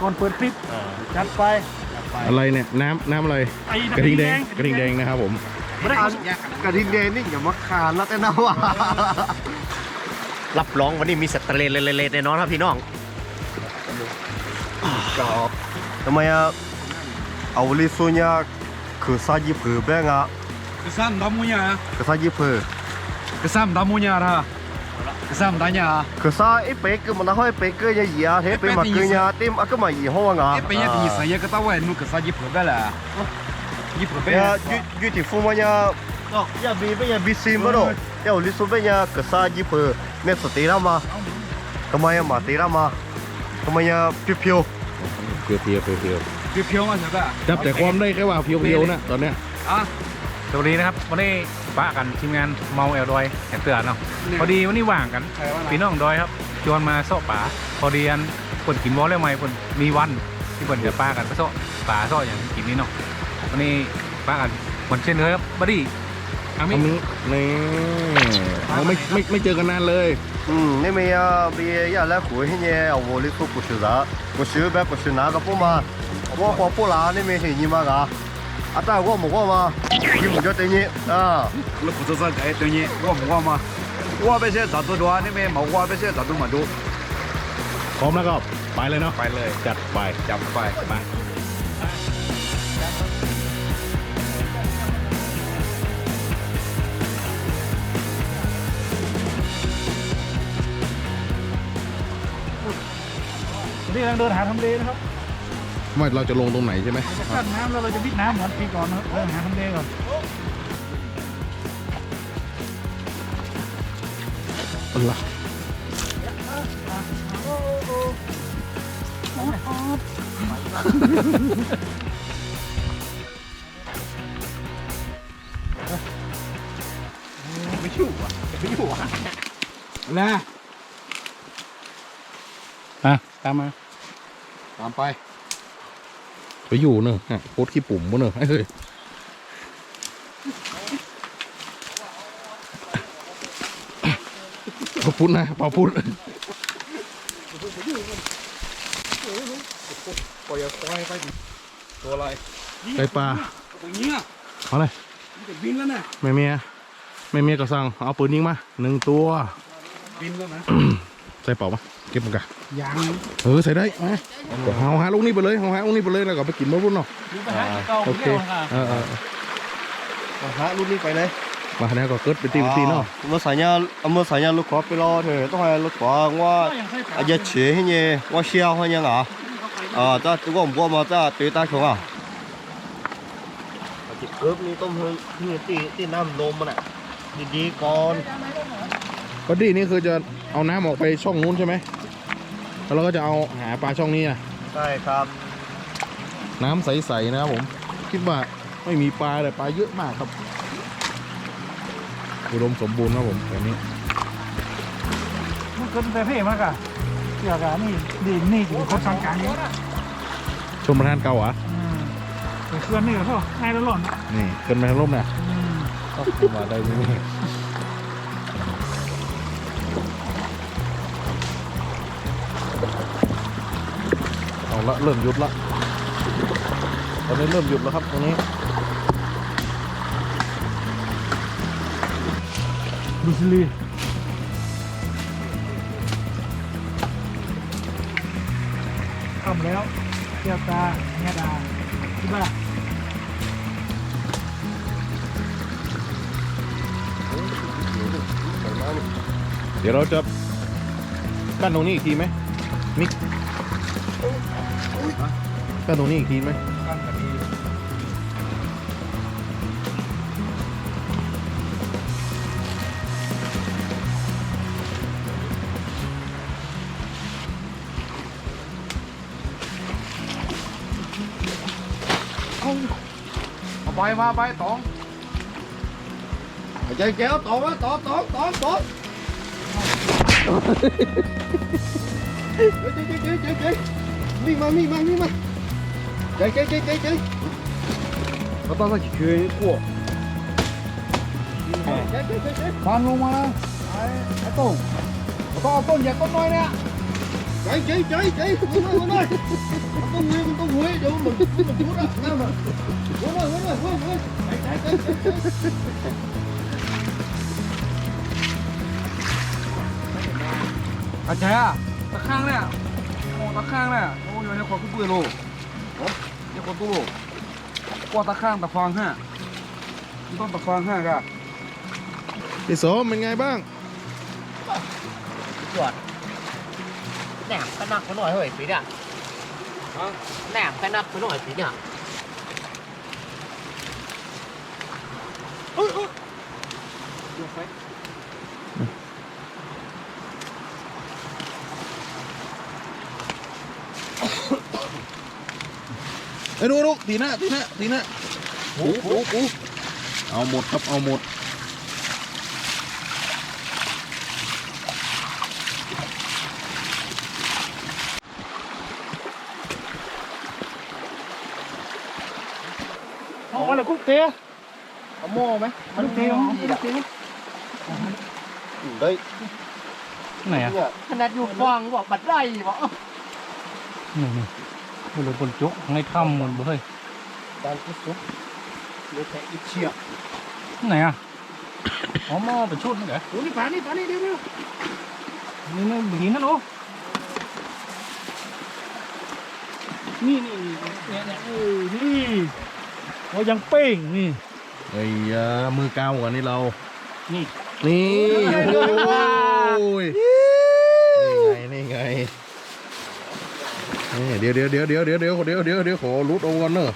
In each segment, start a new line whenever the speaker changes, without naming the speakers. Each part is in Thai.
ก่อนเปิดคลิปจัดไป
อะไรเนี่ยน้ำอะไรกระทิงแดงนะครับผม
กระทิงแดงนี่อย่ามาคานแล้วแต่นะว่ารับรองวันนี้มีสเตรเลแน่นอนครับพี่น้องก็ทำไมอะเอาลิซูเนี่ยคือซาจิผือแบงอะ
kesan tamunya
คือซาจิผือ
kesan tamunya dah kesan tanya
คือซาไอ้เป๊กคือมันเอาไอ้เป๊กก็ยังเหยียดเฮ้เป๊กมาคือเนี่ยเต็มอะก็มาอีห้องอ่ะ
เป็นยังดีสิยังก็ต้องว่านูkesan jiper bela jiper
เนี่ย
bela
ยูที่ฟูมันเนี่ยก็อย่าบีไม่อย่าบีซิมมาหรอกอย่าลิซูเป็นเนี่ยคือซาจิผือเนี่ยสติรามาทำไมอะมาติรามาทำไมอะเพียว
เพียว
เพียวมาใช่ปะ
จับแต่ความได้แค่ว่าเพียวนะตอนเนี้ย
สวัสดีนะครับวันนี้ป้ากันทีมงานเมาแอลดอยแอนเตือนเนาะพอดีวันนี้ว่างกันพี่น้องดอยครับชวนมาโซ่ป่าพอดีอันคนกินวอลเลยไหมคนมีวันที่คนจะป้ากันไปโซ่ป่าโซ่อย่างกินนี้เนาะวันนี้ป้ากันเหมือนเช่นเคยครับบัดดี้อามิ
นี่เราไม่เจอกันนานเลย
นี่มีบีอย่าแล้วคุยให้เนี่ยเอาวอลิสุกุชิระกุชิแบบกุชินากับพวกมาว่าพอพวกเรานี่มีเห็นยี่มากะอาตาว่าหมกว่ามายี่หมกจะเต็มยี่
แล้วผมจะสั่งไอ้ตัวนี้ว่ามาว่าไปเชื่อจัดตัวด้วยนี่ไม่มาว่าไปเชื่อจัดตัวมาดู
พร้อมแล้วก็ไปเลยเนาะ
ไปเลย
จัดไป
ไป
นี่กำลังเดินหาทำเลนะครับ
ว่าเราจะลงตรงไหนใช่ไหม
จะกั้นน้ำแล้วเราจะวิดน้ำเหมือนปีก่อนนะครับเดินหาทำเลก่อน
อะไร
ไม่อยู่อ่ะนะ
ตามมา
ตามไป
อยู่เนอะโคตรขี้ปุ่มวะเนอะเฮ้ยพอพูดนะพอพูด
ปล่อยไปตัวอะไร
ไก่ปลา
ตัวเนี้ย
เอาเลย
จะบินแล้วนะ
ไม่เมียก็สั่งเอาปืนยิงมา1 ตัว
บินแล้วนะ
ใส่เป่ามาเก็บมันกัน
ยัง
ใส่ได้ไหมเอาหาลูกนี้ไปเลยแล้วก็ไปกินมะรุ่นเนาะโอเค
หารุ่นนี้ไปเลย
มาเนี่ยก็เกิดไปตีเนาะ
เมื่อสายเนี่ยลูกขอไปรอเถอะต้องให้ลูกขอว่าอาจจะเฉยให้เนี่ยว่าเชี่ยวให้ยังอ่ะจ้าตัวผมว่ามาจ้าตีตาของอ่ะจิบเอิบนี่ต้มนี่ตีน้ำนมมันอ่ะดีๆก่อน
ก็ดีนี่คือจะเอาน้ำออกไปช่องนู้นใช่ไหมแล้วเราก็จะเอาหาปลาช่องนี้อ่ะ
ใช่ครับ
น้ำใสๆนะครับผมคิดว่าไม่มีปลาแต่ปลาเยอะมากครับอุดมสมบูรณ์นะผมแบบนี้
มันเกินแต่เพ่มากอะเกี่ยวกับนี่ถึงคนสังการนี้
ชมประธานเก่าอ่ะ
เคลื่อนนี่ก็พอง่ายแล้วหล่น
นี่เกินไปทางลมนะก็มาได้ไหมเอาละเริ่มหยุดละตอนนี้เริ่มหยุดแล้วครับตรงนี้
ดูสิลีทำแล้วเกี่ยวตาเงาดาที่บ้าน
เดี๋ยวเราจะกั้นตรงนี้อีกทีไหมมิกกั้นตรงนี้อีกทีไหม
กั้นแบบนี้เอาไปมาไปตอง
ใจแก้วตองตองวิ่งมาใจเขาต้อง去过
ฟันลงมาไอ้ต้นเอาต้นอย่าต้นน้อยเนี่ย
chạy muốn ơi con tông huế đâu mình chút á nào mà muốn ơi chạy
อาจารย์ตะข้างเนี่ยโอ้ตะข้างเนี่ยโอ้ยในคนกู้ปืนโลโอ้ในคนตู้โลกว่าตะข้างตะฟางห้าต้องตะฟางห้ากะ
พี่สมเป็นไงบ้าง
ném cái nắp cái nồi hơi phí ạ ném cái nắp cái nồi phí ạ
ไอ้ดูตีหน้าโอ้เอาหมดครับเอาหมด
เอาอะไรกุ๊กเตะ
có mô mấy
กุ๊กเตะ
đây
ไหนอ่ะ
ขนาดอยู่ฟองบอกบัดไรบอก
นี่บนบนจุกในถ้ำมันบ่เฮ้ย
đang cứ xuống lấy thẻ ít chia
ไหนอ่ะอ๋อหม้อเป็นชุดนี่เหรอ
đi phá đi đi
นี่นี่บีนั่นโอ้นี่นี่เรายังเป้งนี่
ไอ้ยามือกาวกว่านี่เรา
นี่
นี่โอ้ยนี่ไงนี่เดี๋ยวขอรูดเอาก่อนเนอะ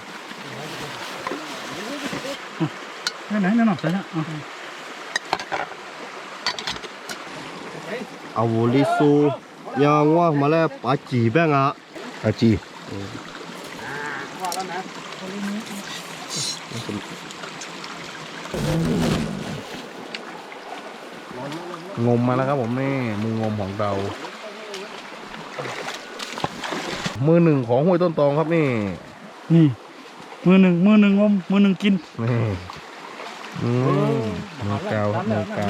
ไหนหน่อยใช่ไหม
à vô lý su nhà ngoa mà lại bà chỉ bên à
อาจีงมมาแล้วครับผมนี่มืองมของเรา มือหนึ่งของห้วยต้นตองครับนี่
นี่มือหนึ่งงมมือหนึ่งกิน
นี่มือกาวครับมือกาว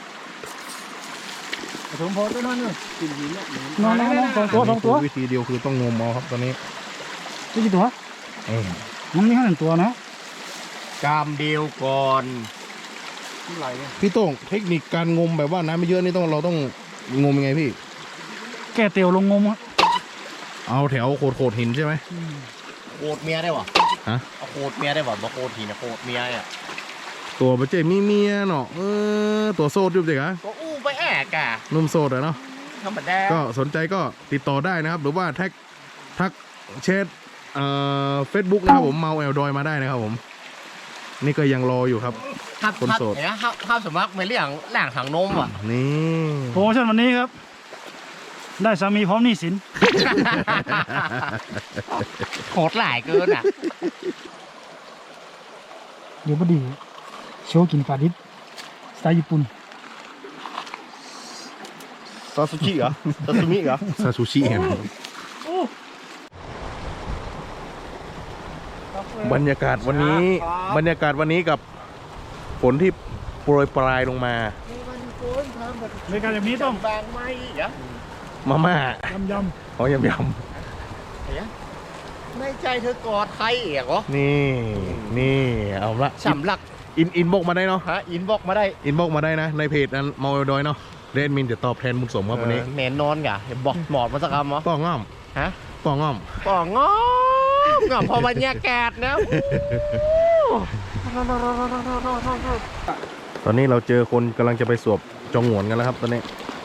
สมพรด้วยนั่นเลยนอนสองตัว
วิธีเดียวคือต้องงมเอาครับตอนนี้
กี่ตัวมันมีแค่หนึ่งตัวนะ
cam điều còn
พี่โต้งเทคนิคการงมแบบว่าน้ำไม่เยอะนี่เราต้องงมยังไงพี่
แก่เตียวลงงม
เอาแถวโขดหินใช่ไหม
cột mía đây bảo
hả
cột mía đây bảo mà cột thì là cột mía à
ตัวประเจมีเมียเนาะตัวโซดอยู่สิคะ
có u với ẻ cả
นุ่มโซดอะเนาะ
không phải đe
ก็สนใจก็ติดต่อได้นะครับ หรือว่าทักแชทเฟซบุ๊กนะครับผมเมาแอลดอยมาได้นะครับผม นี่ก็ยังรออยู่ครับ
hấp
Con
hấp
sột.
nhá hấp sầm mắc mấy lảng thằng nôm à
นี่
โปรโมชั่นวันนี้ครับ ได้สามีพร้อมหนี้สิน
hột lại cơ nè
เดี๋ยวพอดีโชว์กินปลาดิบสไตล์ญี่ปุ่น
sasushi à sashimi à
ซาซูชิเห็นบรรยากาศวันนี้กับฝนที่โปรยปลายลงมา
ในการแบบนี้ต้อง
vàng may vậy
มาม่าย
ำ
ขอยำ
ไม่ใจเธอกอดใครเอกเหรอ
นี่เอาละ
สำลัก
อินบอกมาได้เนาะ
ฮะอินบอกมาได้
อินบอกมาได้นะในเพจนั้นเมาแอลดอยเนาะเรนมินจะตอบแทนบุญสมครับวันนี้
แน่นอนกะเห็นบอกหมอดมาสักคำเหรอ
ป้องง่อม
ฮะ
ป้องง่อม
ป่องงอมพอบรรยากาศนะ
ตอนนี้เราเจอคนกำลังจะไปสวบจองหวนกันแล้วครับตอนนี้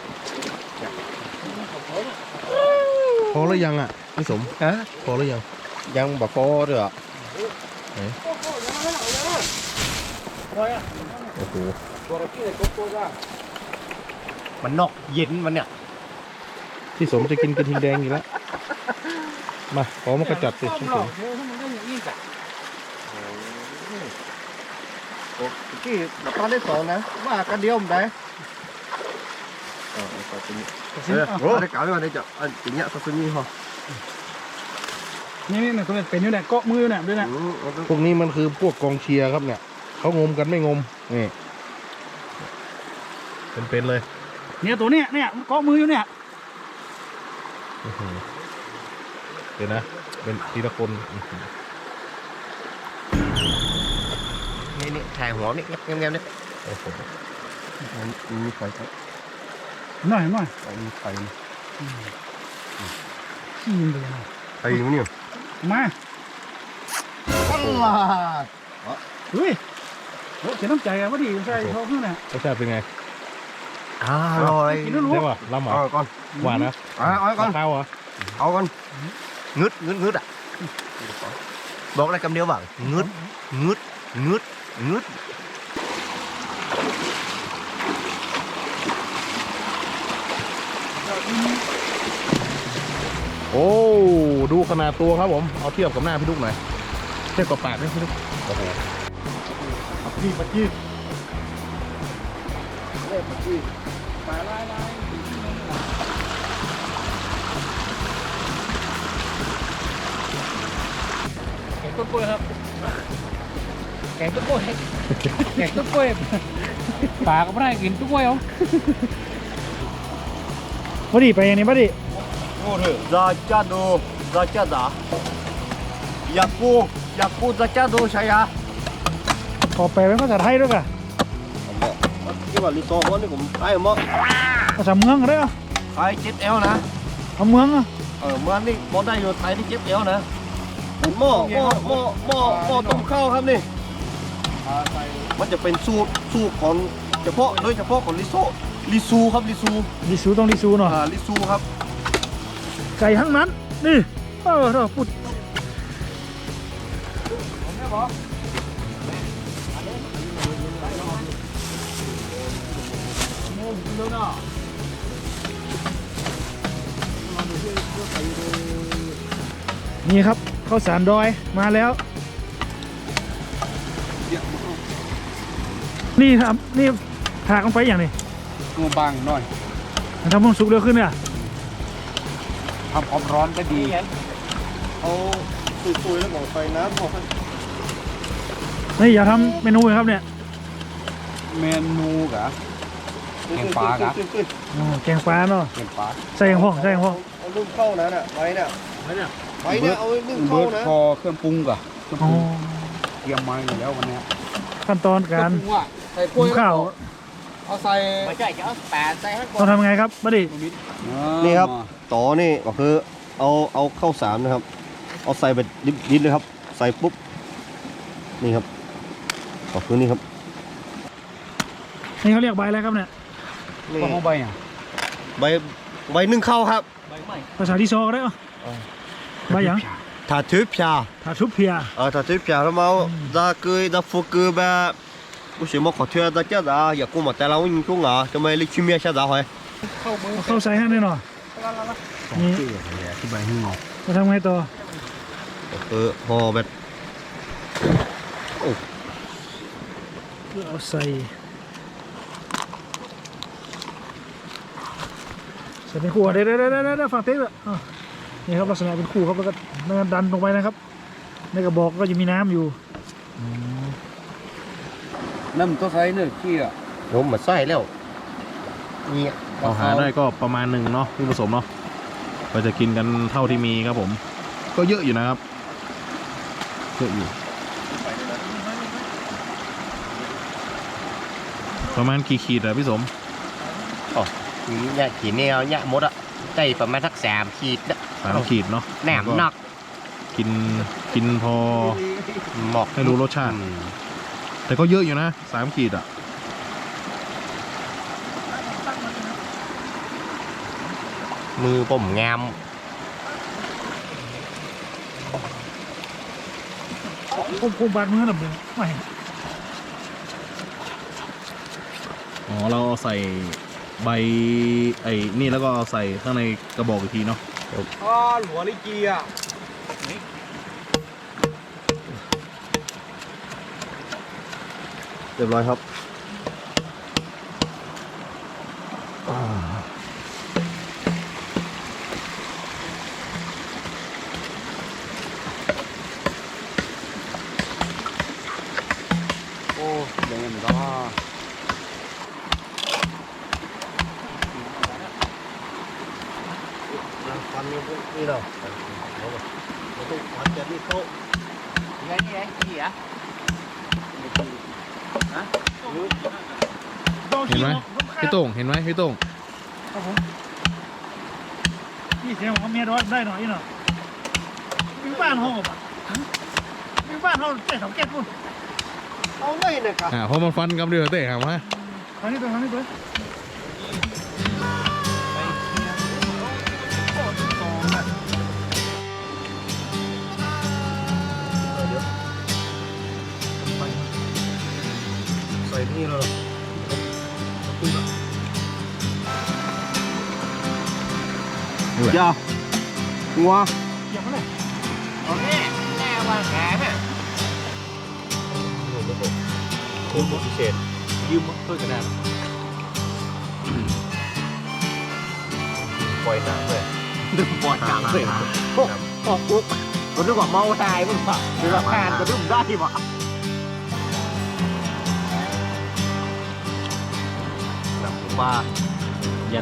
พอหรือยังอ่ะพี่สม
ฮะ
พอหรือยัง
ยังบอกพอเด้อ
โอ้โห
มันนอกเย็นมันเนี่ย
พี่สมจะกินกระทิงแดงอยู่แล้วมาขอมากระจัดสิพี่สม
ที่เราตอนได้สองนะว่ากันเดียวมันได้โอ้ได้กล่าวไว้ก่อนได้จ้ะอันนี้ซาซิมิฮะ
นี่คนเป็นอยู่เนี่ยเกาะมือเนี่ยด้วยเนี่ย
พวกนี้มันคือพวกกองเชียร์ครับเนี่ยเขางมกันไม่งมนี่เป็นเลย
เนี่ยตัวเนี้ยเกาะมืออยู่เนี่ย
เดี๋ยวนะเป็นทีละคน
นี่ถ่ายหัวนี่เงี้ยนี่
มีไฟครับ
หน่อย
มีไฟ
ขี้ยิงเลยนะ
ไอ้เนี่ย
มา
อัลลา
เฮ้ยโอ้เสียน้ำใจอะว่าดีใช่เขาเพื่อนน่ะ
รสชาติเป็นไง
อร่อย
กินแล้วรู้
ได้ป่ะลำเหรอ
เอาก่อน
หวานนะ
เอาก่อน
ข้าวเหรอ
เอาก่อนงึดอ่ะบอกอะไรคำเดียวบ้างงึด
โอ้ดูขนาดตัวครับผมเอาเทียบกับหน้าพี่ลูกหน่อยเทียบกับปากนี่พี่ลูกโอ้โห
พี่ปัจจี
แกงต้นกล้วยครับแกงต้นกล้วยแกงต้นกล้วยปลาก็ไม่ได้กินต้นกล้วยเหรอ
ว่าดีไปยังไงว่าดี
Zajado Yaku Zajado saya
ขอแปลเป็นภาษาไทยด้วยกัน
cái mà lý do của nó cũng ai mà
ภาษาเมืองก็ได้เหรอ
ai chết éo nè
เอาเมืองอ่ะ
ở mưa đi món đây rồi thấy đi chết éo nè mòต้มข้าวครับนี่มันจะเป็นสูตรของเฉพาะโดยเฉพาะของลิซูครับลิซู
ลิซูต้องลิซูเนาะ
ลิซูครับ
ไก่ทั้งนั้นนี่เออปุดนี่ครับข้าวสารดอยมาแล้ว นี่ครับนี่ถากลงไปอย่างนี้
งูบางหน่อย
มันทำให้มันสุกเร็วขึ้นเนี่ย
ทำความร้อนก็ดี
เอาซุยๆแล้วบอกใส่น้ำพอ
นี่อย่าทำเมนูเลยครับเนี่ย
เมนูกะ แกงปลากะ
อ๋อแกงปลาเนาะ
เก็บปลา
ใส่ห้องใส่ห้อง
เอานึ่งข้าวนะน่ะไว้เนี่ยไว้เนี่ยเอาไว้นึ่งข้า
เบิ
ว
ร์ด
นะ
พอเครื่องปรุงกะเครื่องป
อ๋อ
รุงเตรียมมาอยู่แล้ววันเนี้ย
ขั้นตอนการ
เคองปรุงอะใส่กล้
หุ
วย
งข้าว
เอาใส่
ไม่ใช่จะเอาแปดใส่ให้ก่อ
ต้อน งทำยังไงครับบัดดี้
นี่ครับต่อนี่ก็คือเอาข้าวสารนะครับ เอาใส่ไปดิบๆเลยครับ ใส่ปุ๊บนี่ครับก็คือนี่ครับ
นี่เขาเรียกใบอะไรครับเนี่ย
นี่
ก็ห้องใบอ่ะ
ใบนึ่งข้าวครับ
ภาษาที่ซอก็ได้เหรอใบหยัง
ถาทึบชา
ถาชุบเพีย
ถาทึบชาแล้วมาจะเกยจะฟูเกยแบบกูเชื่อมาขอเทือจะเจ้าจ้าอยากกูมาแต่เรายิงกูเหรอจะไม่ลิชิเมียชาจ้าเหรอ
เอาเข้าใส่ให้หน่อยหน่อยนี่
ที่ใบหิ้ง
จะทำไงต่อ
ห่อแบบ
เอาใส่เป็นคู่เดี๋ยวฝั่งเต๊ะอ่ะนี่ครับลักษณะเป็นคู่ครับแล้วก็ดันลงไปนะครับในกระบอกก็จะมีน้ำอยู่
น้ำตัวใส่เนื้อขี้อ่ะ
ผมมาใส่แล้วนี่
เอาหาได้ก็ประมาณหนึ่งเนาะที่ผสมเนาะก็จะกินกันเท่าที่มีครับผม ก็เยอะอยู่นะครับเยอะอยู่ประมาณกี่ขีดอะพี่สม
นี่เนี่ยขีดแนวเนี่ยมดอะใจประมาณสัก3 ขีดนะ
3 ขีดเนาะ
แหนมหนัก
กินพอ
หมอก
ให้รู้รสชาติ แต่ก็เยอะอยู่นะ3 ขีดอะ
มือผมงาม
ผมบาดมือหน่อยไม่
อ๋อเราเอาใส่ใบไอ้นี่แล้วก็เอาใส่ข้างในกระบอกอีกทีเนาะ
อ๋อหัวลิกีอ่ะ
เรียบร้อยครับ
โอ้เดี๋ยวมันก็
นี่เนาะมันต้องควันจะนี่โต๊ะ
ไงนี่ไงนี่อ่ะ
เห็นไหมพี่โต้งเห็นไหมพี่โต้ง
ครับผมนี่เสียงของเมียร้อยได้หน่อยเนาะมีบ้านห้องป่ะมีบ้านห้องเจ๊สองแก้ปุ่น
เอาเลยนะครับ
พอมันฟันกับเรือเตะครับฮะ
ทางนี้ตัวทางนี้ตัว
ใส่นี่แล้ว
อย่าหัว
เหยียบมาเลย
แน่ว่าแขนอ่ะ
คุณพิเศษ
ยืมถ้วยกระดาษ
ปล่อยหนังเลย
ปวดหนังเลยโอ้โหก็นึกว่าเมาตายมึงป่ะหรือว่าแขนก็นึกได้ป่ะ
หนังปลา
ยัน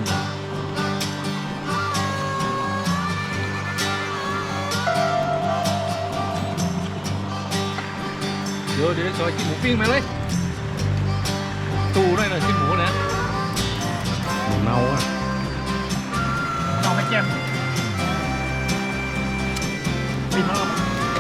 เดี๋ยวซอยกินหมูปิ้งมาเลยตู้ด้วยหน่อยกินหมูนะ
เนาอ่ะ
เอาไปแจมปิดมาแล้ว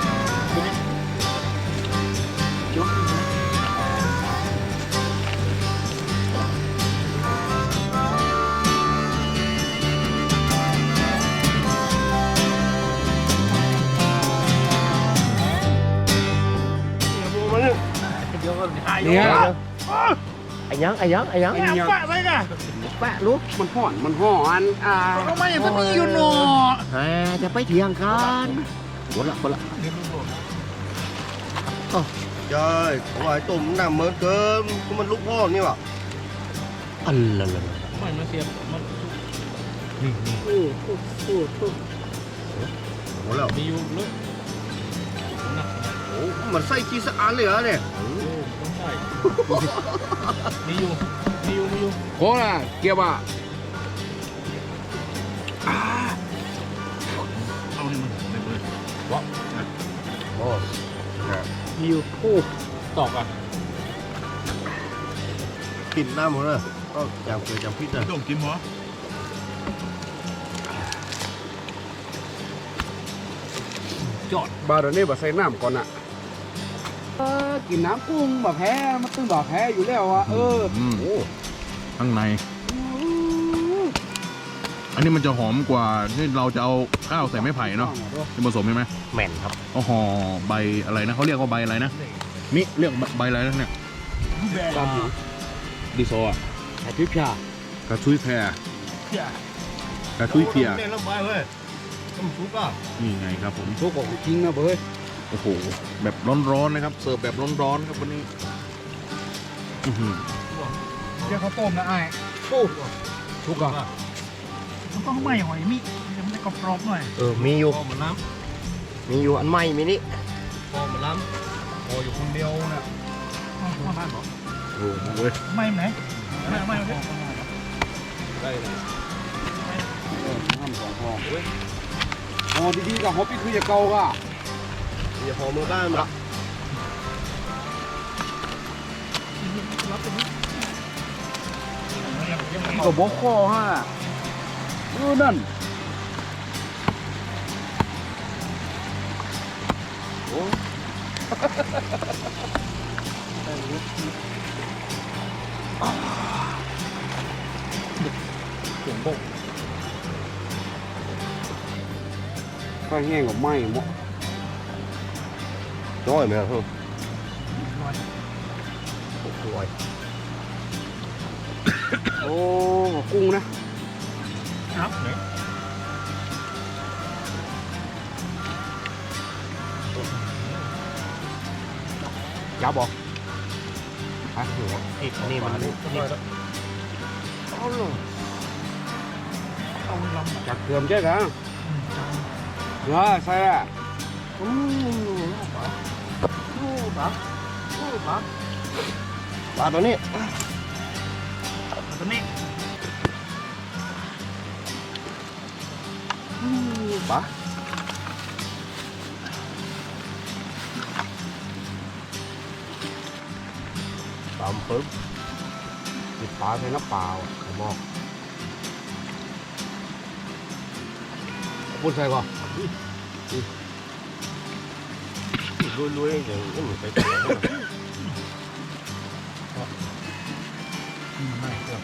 เนี่ย
ไอ้ยัง
ไอ้ฝาอะไรกัน
แปะลูก
มันห่อน
ทำไมอย่างนี้อยู่หนอ
จะไปเถียงกันหมดละ
trời ngoài tôm nằm mớn cơ mình lúc ho như vậy
อันละละ
ไม่มาเสียบมัน
ủa là
มีอยู่เลย
ủa mà say chi sẽ án liền á nè
ต้องใช่มีอยู่
โคล่ะเกียบอ่ะ
เอานี่มันไม่เลย
ồ
มีอยู่โอ้
ตอกอ่ะ
kìm nam rồi có chào cười chào phít rồi
ต้องกินหัว
บาร์นี้บาใส่น้ำก่อนอ่ะกินน้ำกุ้งแบบแพ้มันตึงแบบแพ้อยู่แล้วอ่ะโอ้
ข้างใน อันนี้มันจะหอมกว่าที่เราจะเอาข้าวใส่ไม้ไผ่เนาะที่ผสมใช่ไหม
แม่นครับ
เอาห่อใบอะไรนะเขาเรียกว่าใบอะไรนะมิเรียกใบอะไรนะเนี่ย
ตามอยู่
ดิโซอ่ะ
แต่ทิพยาก
ระชุยแพรกระชุยเพีย
lên lắm bài ơi không xuống à
นี่ไงครับผม
โชคของจริงนะเบ้ย
โอ้โหแบบร้อนๆนะครับเสิร์ฟแบบร้อนๆครับวันนี้อื้อหือ
เดี๋ยวเขาต้มนะไอ้
ทุกอ่ะ
มันต้องไหม้หอยมิมันจะกรอบๆหน่อย
mi vô
mi vô anh may mi đi
kho mà lắm kho vô con đeo nè
ว่าบ้านบอก
โอ้โหเว้ย
ไหม้ไหนไหม้ไหม
đây này
น้ำสองฟองห่อดีๆกับห่อพี่คืออย่าเกาก่ะ
giờ kho mưa ba mà
ก็บอกคอฮะนั่นโอ้ข้าวแห้งกับไหม้หมด
rồi mày không rồi
โอ้กุ้งนะ
ครับ
ยับบอกฮะ
thịt này mà thịt
เอาเลย
เอาลำ
จักเกือมใช่กันเนาะใช่อ่ะ
ba đó nè
ตัวนี้
ปลาตามเพิ่มติดปลาใส่น้ำเปล่าผมบอกพูดใส่ก่อนลุยๆอย่างนี้มันไปต่อ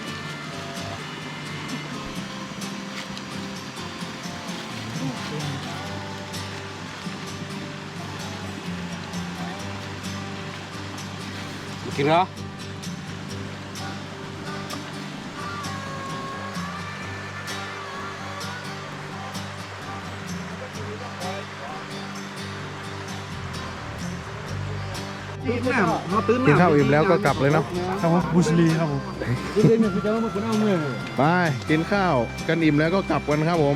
กินเหรอตื่นน้ำเราตื่นน้ำ
กินข้าวอิ่มแล้วก็กลับเลยเนาะ
ครับผมบุสลีครับผม
เดี๋ยวเนี่ยพี่จะมาคนเอาเมื่อ
ไปกินข้าวกันอิ่มแล้วก็กลับกันครับผม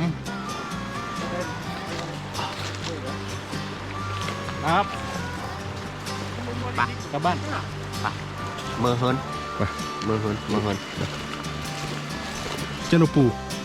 ครับไปกลับบ้าน
mơ hơn
Vâng.
mơ hơn
เจนุปู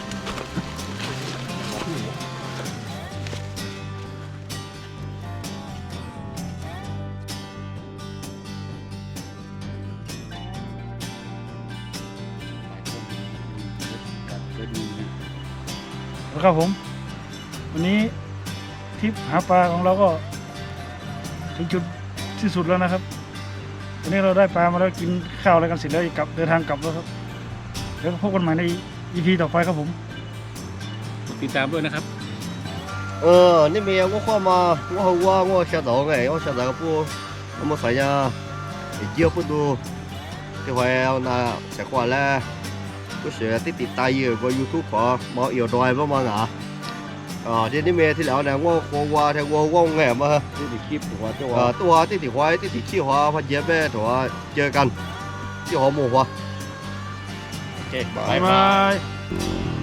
ครับผมวันนี้ทริปหาปลาของเราก็ถึงจุดที่สุดแล้วนะครับวันนี้เราได้ปลามาแล้วกินข้าวอะไรกันเสร็จแล้วกลับเดินทางกลับแล้วครับเดี๋ยวพบกันใหม่ใน EP ต่อไปครับผม
ติดตามด้วยนะครับ
那边我话嘛我下早哎我下早个不那么啥呀也不多这回要拿这话嘞不是ติดตายเยอะกว่า YouTube ขอมาเอี่ยวดอยประมาณน่ะที่นี่เมย์ที่แล้วเนี่ยว่าที่ว่างไงมา
ที่ติดคลิปหัวเจ้า
ตัวที่ติดไว้ที่ติดขี้หัวพันเย็บแม่ตัวเจอกันที่หอหมูหัวโอเค
บ๊ายบาย